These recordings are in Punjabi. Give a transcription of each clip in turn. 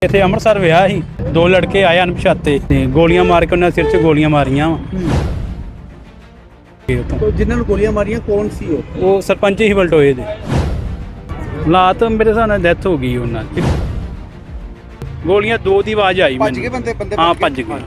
ਇੱਥੇ ਅੰਮ੍ਰਿਤਸਰ ਵਿਆਹ ਸੀ, ਦੋ ਲੜਕੇ ਆਏ ਅਣਪਛਾਤੇ ਤੇ ਗੋਲੀਆਂ ਮਾਰ ਕੇ ਉਹਨਾਂ ਦੇ ਸਿਰ 'ਚ ਗੋਲੀਆਂ ਮਾਰੀਆਂ ਵਾ। ਜਿਨ੍ਹਾਂ ਨੂੰ ਗੋਲੀਆਂ ਮਾਰੀਆਂ ਕੌਣ ਸੀ ਉਹ ਸਰਪੰਚ ਹੀ ਬਲਟੋਏ ਦੇ। ਹਾਲਾਤ ਮੇਰੇ ਹਿਸਾਬ ਨਾਲ ਡੈਥ ਹੋ ਗਈ ਉਹਨਾਂ ਦੀ। ਗੋਲੀਆਂ ਦੋ ਦੀ ਆਵਾਜ਼ ਆਈ ਭੱਜ ਗਏ ਬੰਦੇ ਹਾਂ ਭੱਜ ਗਏ।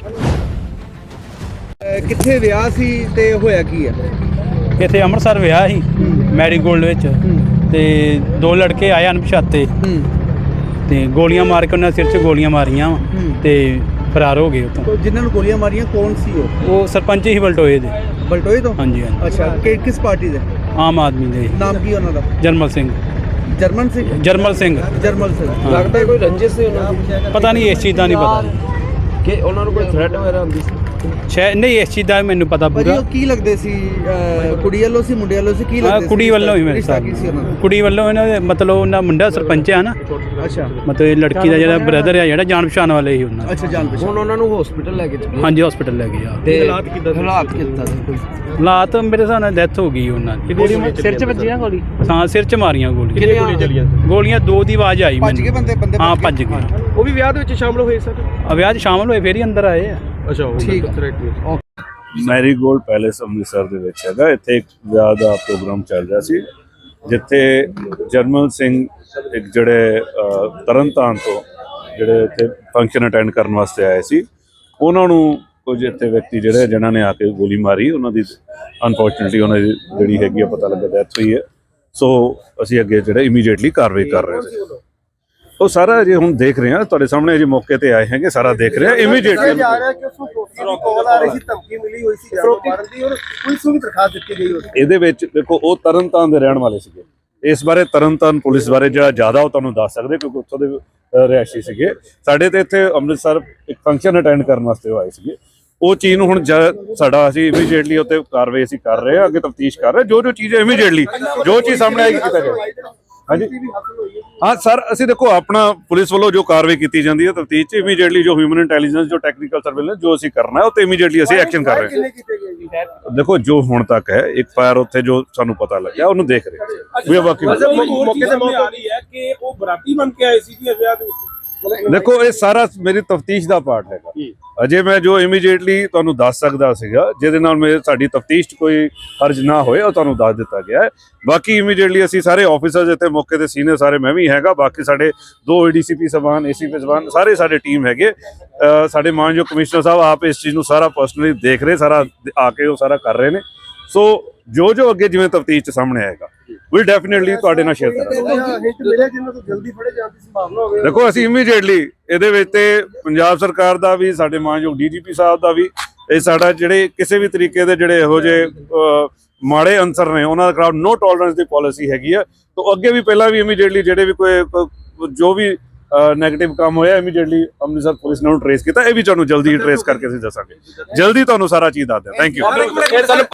ਕਿੱਥੇ ਵਿਆਹ ਸੀ ਤੇ ਹੋਇਆ ਕੀ ਹੈ? ਇੱਥੇ ਅੰਮ੍ਰਿਤਸਰ ਵਿਆਹ ਸੀ ਮੈਰੀਗੋਲਡ ਵਿੱਚ ਤੇ ਦੋ ਲੜਕੇ ਆਏ ਅਣਪਛਾਤੇ ਤੇ ਗੋਲੀਆਂ ਮਾਰ ਕੇ ਉਹਨਾਂ ਦੇ ਸਿਰ 'ਚ ਗੋਲੀਆਂ ਮਾਰੀਆਂ ਵਾ ਤੇ ਫਰਾਰ ਹੋ ਗਏ ਉੱਥੋਂ। ਜਿਨ੍ਹਾਂ ਨੂੰ ਗੋਲੀਆਂ ਮਾਰੀਆਂ ਕੌਣ ਸੀ ਉਹ ਸਰਪੰਚ ਹੀ ਬਲਟੋਏ ਦੇ। ਬਲਟੋਏ ਤੋਂ? ਹਾਂਜੀ ਹਾਂਜੀ। ਅੱਛਾ, ਕਿਸ ਪਾਰਟੀ ਦੇ? ਆਮ ਆਦਮੀ ਦੇ। ਨਾਮ ਕੀ ਉਹਨਾਂ ਦਾ? ਜਰਮਲ ਸਿੰਘ। ਜਰਮਨ ਸਿੰਘ? ਜਰਮਲ ਸਿੰਘ। ਜਰਮਲ ਸਿੰਘ। ਲੱਗਦਾ ਕੋਈ ਰੰਜਿਸ਼ ਸੀ ਉਹਨਾਂ ਦੀ? ਪਤਾ ਨਹੀਂ, ਇਸ ਚੀਜ਼ ਦਾ ਨਹੀਂ ਪਤਾ ਕਿ ਉਹਨਾਂ ਨੂੰ ਕੋਈ ਥ੍ਰੈਟ ਵਗੈਰਾ ਹੁੰਦੀ ਸੀ? ਸ਼ਾਇਦ ਨਹੀਂ, ਇਸ ਚੀਜ਼ ਦਾ ਮੈਨੂੰ ਪਤਾ ਭਾਜੀ ਪੂਰਾ। ਉਹ ਕੀ ਲੱਗਦੇ ਸੀ? ਕੁੜੀ ਵੱਲੋਂ ਸੀ ਮੁੰਡੇ ਵੱਲੋਂ ਸੀ? ਕੀ ਲੱਗਦੇ ਸੀ? ਕੁੜੀ ਵੱਲੋਂ ਹੀ ਮੇਰੇ ਰਿਸ਼ਤਾ ਸਾਹਿਬ ਕੀ ਸੀ ਉਹਨਾਂ ਦਾ? ਕੁੜੀ ਵੱਲੋਂ ਇਹਨਾਂ ਦੇ ਮਤਲਬ ਉਹਨਾਂ ਮੁੰਡਾ ਸਰਪੰਚ ਆ ਨਾ, ਅੱਛਾ ਮਤਲਬ ਇਹ ਲੜਕੀ ਦਾ ਜਿਹੜਾ ਬ੍ਰਦਰ ਆ ਜਿਹੜਾ ਜਾਣ ਪਛਾਣ ਵਾਲੇ ਹੀ ਉਹਨਾਂ ਦੇ। ਅੱਛਾ, ਜਾਣ ਪਛਾਣ। ਹੁਣ ਉਹਨਾਂ ਨੂੰ ਹਸਪੀਟਲ ਲੈ ਕੇ ਚੱਲੇ? ਹਾਂਜੀ ਹਸਪੀਟਲ ਲੈ ਗਏ ਆ। ਤੇ ਹਾਲਾਤ ਕਿੱਦਾਂ ਸੀ ਕੋਈ? ਹਾਲਾਤ ਮੇਰੇ ਹਿਸਾਬ ਨਾਲ ਡੈਥ ਹੋ ਗਈ ਉਹਨਾਂ ਦੀ। ਸਿਰ 'ਚ ਵੱਜੀ ਨਾ ਗੋਲੀ? ਹਾਂ ਸਿਰ 'ਚ ਮਾਰੀਆਂ ਗੋਲੀਆਂ। ਕਿੰਨੀਆਂ ਗੋਲੀਆਂ ਚੱਲੀਆਂ? ਗੋਲੀਆਂ ਦੋ ਦੀ ਆਵਾਜ਼ ਆਈ ਭੱਜ ਗਏ ਬੰਦੇ ਹਾਂ ਭੱਜ ਗਏ। ਉਹ ਵੀ ਵਿਆਹ ਦੇ ਵਿੱਚ ਸ਼ਾਮਲ ਹੋਏ ਸਰ? ਵਿਆਹ 'ਚ ਸ਼ਾਮਲ ਹੋਏ ਫੇਰ ਹੀ ਅੰਦਰ ਆਏ ਆ। ਅੱਛਾ, ਠੀਕ ਹੈ। ਮੈਰੀਗੋਲਡ ਪੈਲੇਸ ਅੰਮ੍ਰਿਤਸਰ ਦੇ ਵਿੱਚ ਹੈਗਾ। ਇੱਥੇ ਇੱਕ ਵਿਆਹ ਦਾ ਪ੍ਰੋਗਰਾਮ ਚੱਲ ਰਿਹਾ ਸੀ, ਜਿੱਥੇ ਜਰਮਲ ਸਿੰਘ ਇੱਕ ਜਿਹੜੇ ਤਰਨਤਾਰਨ ਤੋਂ ਜਿਹੜੇ ਇੱਥੇ ਫੰਕਸ਼ਨ ਅਟੈਂਡ ਕਰਨ ਵਾਸਤੇ ਆਏ ਸੀ, ਉਹਨਾਂ ਨੂੰ ਕੁਝ ਇੱਥੇ ਵਿਅਕਤੀ ਜਿਹੜੇ ਜਿਨ੍ਹਾਂ ਨੇ ਆ ਕੇ ਗੋਲੀ ਮਾਰੀ। ਉਹਨਾਂ ਦੀ ਅਨਫੋਰਚੂਨੇਟਲੀ ਉਹਨਾਂ ਦੀ ਜਿਹੜੀ ਹੈਗੀ ਆ ਪਤਾ ਲੱਗਾ ਡੈਥ ਹੋਈ ਹੈ। ਸੋ ਅਸੀਂ ਅੱਗੇ ਜਿਹੜੇ ਇਮੀਡੀਏਟਲੀ ਕਾਰਵਾਈ ਕਰ ਰਹੇ ਸੀ। ਉਹ ਸਾਰਾ ਜੇ ਹੁਣ ਦੇਖ ਰਹੇ ਹਾਂ, ਤੁਹਾਡੇ ਸਾਹਮਣੇ ਜੇ ਮੌਕੇ ਤੇ ਆਏ ਹੈਗੇ, ਸਾਰਾ ਦੇਖ ਰਹੇ ਹਾਂ ਇਮੀਡੀਏਟਲੀ। ਇਹਦੇ ਵਿੱਚ ਦੇਖੋ ਉਹ ਤਰਨਤਾਰਨ ਦੇ ਰਹਿਣ ਵਾਲੇ ਸੀਗੇ। ਇਸ ਬਾਰੇ ਤਰਨਤਾਰਨ ਪੁਲਿਸ ਬਾਰੇ ਜਿਹੜਾ ਜ਼ਿਆਦਾ ਉਹ ਤੁਹਾਨੂੰ ਦੱਸ ਸਕਦੇ, ਕਿਉਂਕਿ ਉੱਥੋਂ ਦੇ ਰਿਹਾਇਸ਼ੀ ਸੀਗੇ। ਸਾਡੇ ਤੇ ਇੱਥੇ ਅੰਮ੍ਰਿਤਸਰ ਇੱਕ ਫੰਕਸ਼ਨ ਅਟੈਂਡ ਕਰਨ ਵਾਸਤੇ ਉਹ ਆਏ ਸੀਗੇ। ਉਹ ਚੀਜ਼ ਨੂੰ ਹੁਣ ਸਾਡਾ ਅਸੀਂ ਇਮੀਡੀਏਟਲੀ ਉੱਤੇ ਕਾਰਵਾਈ ਅਸੀਂ ਕਰ ਰਹੇ ਹਾਂ, ਅੱਗੇ ਤਫਤੀਸ਼ ਕਰ ਰਹੇ। ਜੋ ਚੀਜ਼ ਇਮੀਡੀਏਟਲੀ ਜੋ ਚੀਜ਼ ਸਾਹਮਣੇ ਆਏਗੀ ਕੀਤਾ ਜਾਏ। ਹਾਂਜੀ ਹਾਂ ਸਰ, ਅਸੀਂ ਦੇਖੋ ਆਪਣਾ ਪੁਲਿਸ ਵੱਲੋਂ ਜੋ ਕਾਰਵਾਈ ਕੀਤੀ ਜਾਂਦੀ ਹੈ ਤਫਤੀਸ਼ 'ਚ ਇਮੀਡੀਏਟਲੀ ਜੋ ਹਿਊਮਨ ਇੰਟੈਲੀਜੈਂਸ ਜੋ ਟੈਕਨੀਕਲ ਸਰਵੇਲੈਂਸ ਜੋ ਅਸੀਂ ਕਰਨਾ ਹੈ ਉਹ ਤੇ ਇਮੀਡੀਏਟਲੀ ਅਸੀਂ ਐਕਸ਼ਨ ਕਰ ਰਹੇ ਹਾਂ। ਦੇਖੋ ਜੋ ਹੁਣ ਤੱਕ ਹੈ ਇੱਕ ਫਾਇਰ ਉੱਥੇ ਜੋ ਸਾਨੂੰ ਪਤਾ ਲੱਗਿਆ ਉਹਨੂੰ ਦੇਖ ਰਹੇ ਹਾਂ। ਮੌਕੇ ਤੇ ਆ ਰਹੀ ਹੈ ਕਿ ਉਹ ਬਰਾਤੀ ਬਣ ਕੇ ਆਏ ਸੀ ਜੀ ਵਿਆਹ ਦੇ ਵਿੱਚ। ਦੇਖੋ ਇਹ ਸਾਰਾ ਮੇਰੀ ਤਫਤੀਸ਼ ਦਾ ਪਾਰਟ ਹੈਗਾ। ਅਜੇ ਮੈਂ ਜੋ ਇਮੀਡੀਏਟਲੀ ਤੁਹਾਨੂੰ ਦੱਸ ਸਕਦਾ ਸੀਗਾ, ਜਿਹਦੇ ਨਾਲ ਸਾਡੀ ਤਫਤੀਸ਼ 'ਚ ਕੋਈ ਹਰਜ ਨਾ ਹੋਏ, ਉਹ ਤੁਹਾਨੂੰ ਦੱਸ ਦਿੱਤਾ ਗਿਆ ਹੈ। ਬਾਕੀ ਇਮੀਡੀਏਟਲੀ ਅਸੀਂ ਸਾਰੇ ਆਫੀਸਰਸ ਇੱਥੇ ਮੌਕੇ ਤੇ ਸੀਨੀਅਰ ਸਾਰੇ ਮੈਂ ਵੀ ਹੈਗਾ, ਬਾਕੀ ਸਾਡੇ ਦੋ ADCP ਸਬਾਨ ACP ਸਬਾਨ ਸਾਰੇ ਸਾਡੇ ਟੀਮ ਹੈਗੇ। ਸਾਡੇ ਮਾਨਯੋਗ ਕਮਿਸ਼ਨਰ ਸਾਹਿਬ ਆਪ ਇਸ ਚੀਜ਼ ਨੂੰ ਸਾਰਾ ਪਰਸਨਲੀ ਦੇਖ ਰਹੇ, ਸਾਰਾ ਆ ਕੇ ਉਹ ਸਾਰਾ ਕਰ ਰਹੇ ਨੇ। ਸੋ ਜੋ ਅੱਗੇ ਜਿਵੇਂ ਤਫਤੀਸ਼ 'ਚ ਸਾਹਮਣੇ ਆਏਗਾ ਵਿਲ ਡੈਫੀਨੇਟਲੀ ਤੁਹਾਡੇ ਨਾਲ ਸ਼ੇਅਰ ਕਰਾਂਗੇ। ਦੇਖੋ ਅਸੀਂ ਇਮੀਡੀਏਟਲੀ ਇਹਦੇ ਵਿੱਚ ਤੇ ਪੰਜਾਬ ਸਰਕਾਰ ਦਾ ਵੀ, ਸਾਡੇ ਮਾਨਯੋਗ DGP ਸਾਹਿਬ ਦਾ ਵੀ, ਇਹ ਸਾਡਾ ਜਿਹੜੇ ਕਿਸੇ ਵੀ ਤਰੀਕੇ ਦੇ ਜਿਹੜੇ ਇਹੋ ਜਿਹੇ ਮਾੜੇ ਅਨਸਰ ਨੇ ਉਹਨਾਂ ਦੇ ਖਿਲਾਫ ਨੋ ਟੋਲਰੈਂਸ ਦੀ ਪਾਲਿਸੀ ਹੈਗੀ ਆ। ਤਾਂ ਅੱਗੇ ਵੀ ਪਹਿਲਾਂ ਵੀ ਇਮੀਡੀਏਟਲੀ ਜਿਹੜੇ ਵੀ ਕੋਈ ਜੋ ਵੀ ਨੈਗੇਟਿਵ ਕੰਮ ਹੋਇਆ ਇਮੀਡੀਏਟਲੀ ਅੰਮ੍ਰਿਤਸਰ ਪੁਲਿਸ ਨੇ ਉਹਨੂੰ ਟ੍ਰੇਸ ਕੀਤਾ। ਇਹ ਵੀ ਤੁਹਾਨੂੰ ਜਲਦੀ ਟ੍ਰੇਸ ਕਰਕੇ ਅਸੀਂ ਦੱਸਾਂਗੇ, ਜਲਦੀ ਤੁਹਾਨੂੰ ਸਾਰਾ ਚੀਜ਼ ਦੱਸ ਦਿਆਂ। Thank you.